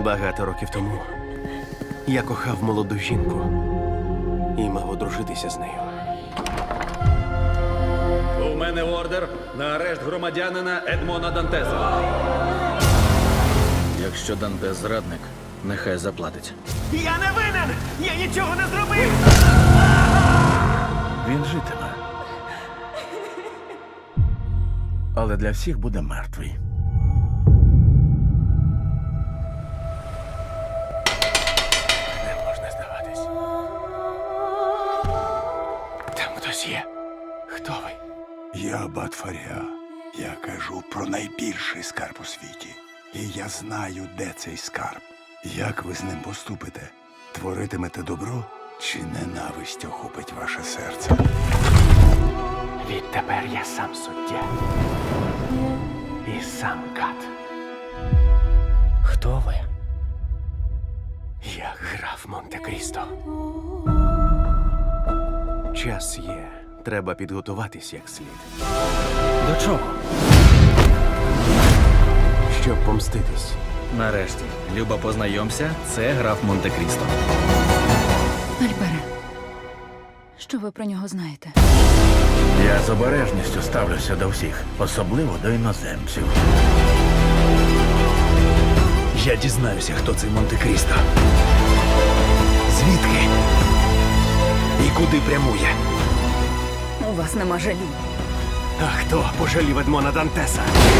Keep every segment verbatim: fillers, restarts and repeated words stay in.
Багато років тому я кохав молоду жінку і мав одружитися з нею. У мене ордер на арешт громадянина Едмона Дантеса. Якщо Дантес зрадник, нехай заплатить. Я не винен! Я нічого не зробив! Він житиме. Але для всіх буде мертвий. Не можна здаватись. Там хтось є. Хто ви? Я Аббат Фаріа. Я кажу про найбільший скарб у світі. І я знаю, де цей скарб. Як ви з ним поступите? Творитимете добро чи ненависть охопить ваше серце? Відтепер я сам суддя. І сам кат. Хто ви? Я граф Монте-Крісто. Час є. Треба підготуватись як слід. До чого? Щоб помститись. Нарешті, Люба, познайомся, це граф Монте-Крісто. Альбере, що ви про нього знаєте? Я з обережністю ставлюся до всіх, особливо до іноземців. Я дізнаюся, хто цей Монте-Крісто. Звідки? І куди прямує? У вас нема жалі. А хто пожалів Едмона Дантеса?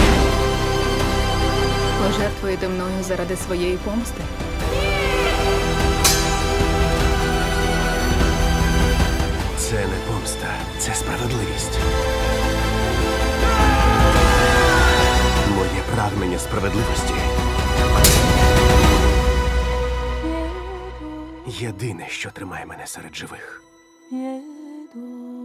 Пожертвуєте мною заради своєї помсти? Це не помста, це справедливість. Моє прагнення справедливості єдине, що тримає мене серед живих. Jedu.